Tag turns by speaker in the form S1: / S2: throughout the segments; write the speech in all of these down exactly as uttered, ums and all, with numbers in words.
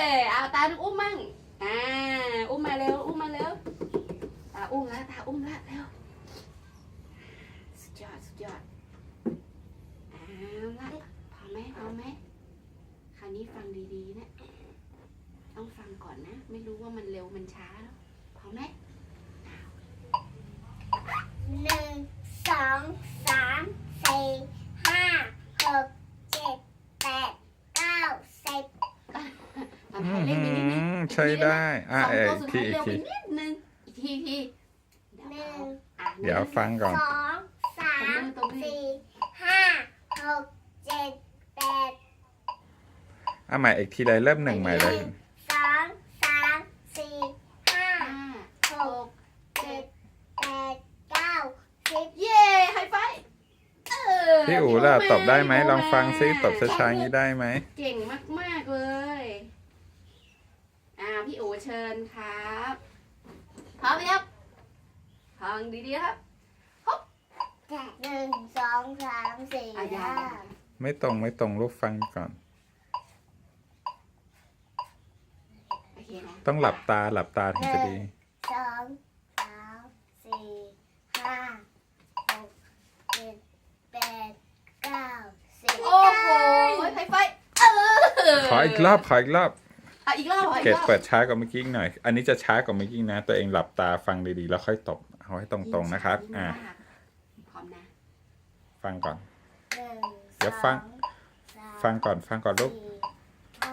S1: เอาตาดูอุ้มมั่งอ่าอุ้มมาเร็วอุ้มมาเร็วตาอุ้มแล้วตาอุ้มแล้วเร็วสุดยอดสุดยอดเอาละพอไหมพอไหมคราวนี้ฟังดีๆนะต้องฟังก่อนนะไม่รู้ว่ามันเร็วมันช้าแล้วพอไหม
S2: หนึ่งสองสามสี่ห้าหกเจ็ดแปดเก้าสิบ
S1: ทำให้เล่นไปนิดนึง
S3: ใช่ได้อ่ะ
S1: สอง
S3: เอ
S1: ตัว
S3: ก
S1: สุด
S3: ที
S1: ท้าย
S3: อี
S1: เร็
S3: ก
S1: วไป
S3: ที
S1: นิดนึงอีกทีที
S2: หนึ่ง
S3: เดี๋ยวฟังก่อน
S2: สองสามสี่ห้าหกเจ็ดแปด
S3: อ่ะใหม่อีกทีเลยเริ่มหนึ่งใหม่เลย
S2: สองสามสี่ห้า
S1: ห้า
S2: ห
S1: ห
S2: ก
S1: ก
S2: เจ็ดแปดเก้าสิบ
S1: เย้ไฮไฟว์เออ
S3: พี่อู๋ล่ะตบได้ไหมลองฟังซิตบช้าๆนี้ได้ไหม
S1: เก่งมากๆเลยอ่าพี่อู๋เชิญครับพร้อมไหมครับฟังดีๆครับ
S2: หนึ่งสองสามสี่
S1: อ่ะอย่า
S2: ห้า
S3: ไม่ตรงไม่ตรงลูกฟังก่อน
S1: โอเคนะ
S3: ต้องหลับตาหลับตาถึงจะดี
S2: สองสามสี่ห้าหกเจ็ดแปดเก้าสิบ
S1: โอ้โหไฮไฟว์เออ
S3: ขออีกรอบขออีกรอบ
S1: อ่ะอีกรอบขออี
S3: เก
S1: ก
S3: ด
S1: รอบ
S3: เปิดช้ากว่าเมื่อกี้หน่อย อันนี้จะช้ากว่าเมื่อกี้นะ ตัวเองหลับตาฟังดีๆแล้วค่อยตบเอาให้ตรงๆนะครับ อ่า
S1: พร้อมนะ
S3: ฟังก่อน
S2: หนึ่ง
S3: เดี๋ยวฟัง
S2: สอง
S3: ฟังก่อนฟังก่อนลูก
S2: สี่ห้า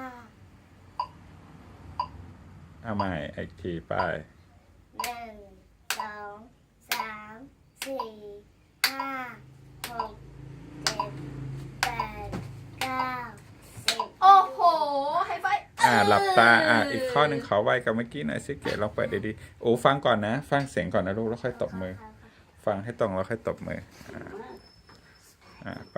S3: เอาใหม่อีกทีไป
S2: หนึ่งสองสามสี่ห้าหกเจ็ดแปดเก้าสิบ
S1: โอ้โหไฮไฟว์
S3: อ่าหลับตาอ่าอีกข้อหนึ่งขอไวกับเมื่อกี้หน่อยสิเกดลองเปิดดีๆโอ้ฟังก่อนนะ ฟังเสียงก่อนนะลูกแล้วค่อยตบมือ ฟังให้ตรงแล้วค่อยตบมือ อ่าอ่าไป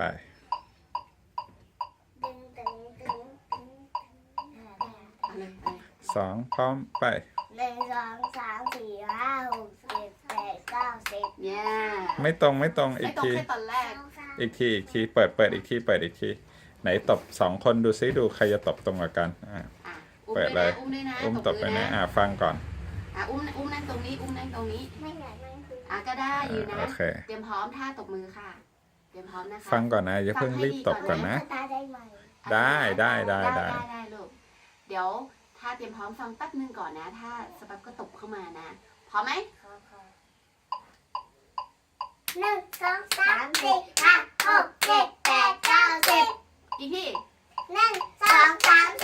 S2: ดึงดึงดึงดึง
S1: เอาเลยเอาเลย
S3: สองพร้อมไป
S2: หนึ่งสองสามสี่ห้าหกเจ็ดแปดเก้าสิบ
S1: เนี่ย
S3: ไม่ตรงไม่ตรงอี
S1: ไม่
S3: ก
S1: ตรง
S3: ที
S1: แค่ตอนแรก
S3: อีกทีอีกทีเปิดเปิดอีกทีเปิดอีกที ไหนตบสองคนดูซิดูใครจะตบตรงกว่ากันอ่า
S1: อ่ะอุ้ม
S3: เปิด
S1: ด้วย
S3: เล
S1: นะ
S3: ย
S1: อุ้มด้วยนะ
S3: อุ้มตบไป
S1: มื
S3: นะอ่าฟังก่อน
S1: อ่ะอุ้มอุ้มนั่งตรงนี้ อุ้มนั่งตรงนี้
S2: ไม่ไหนนั่งคือ
S1: อ่ะก็ได้อยู่นะ
S3: โอเค
S1: เตรียมพร้อมท่าตบมือค่ะ เตรียมพร้อมนะคะ
S3: ฟังก่อนนะอย่าเพิ่งรีบตบก่อนนะ
S2: ตาได้ไหม
S3: ได้ได้ได้
S1: ได้
S3: ได้
S1: ได้ได้ลูก เดี๋ยวถ้าเตรียมพร้อมฟังแป๊บนึงก่อนนะ ถ้าสปั๊บก็ตบเข้ามานะ พร้อมไหม
S2: หนึ่งสองสามสี่ห้าหกเจ็ดแปดเก้าสิบ
S1: อีกที
S2: หนึ่งสองสาม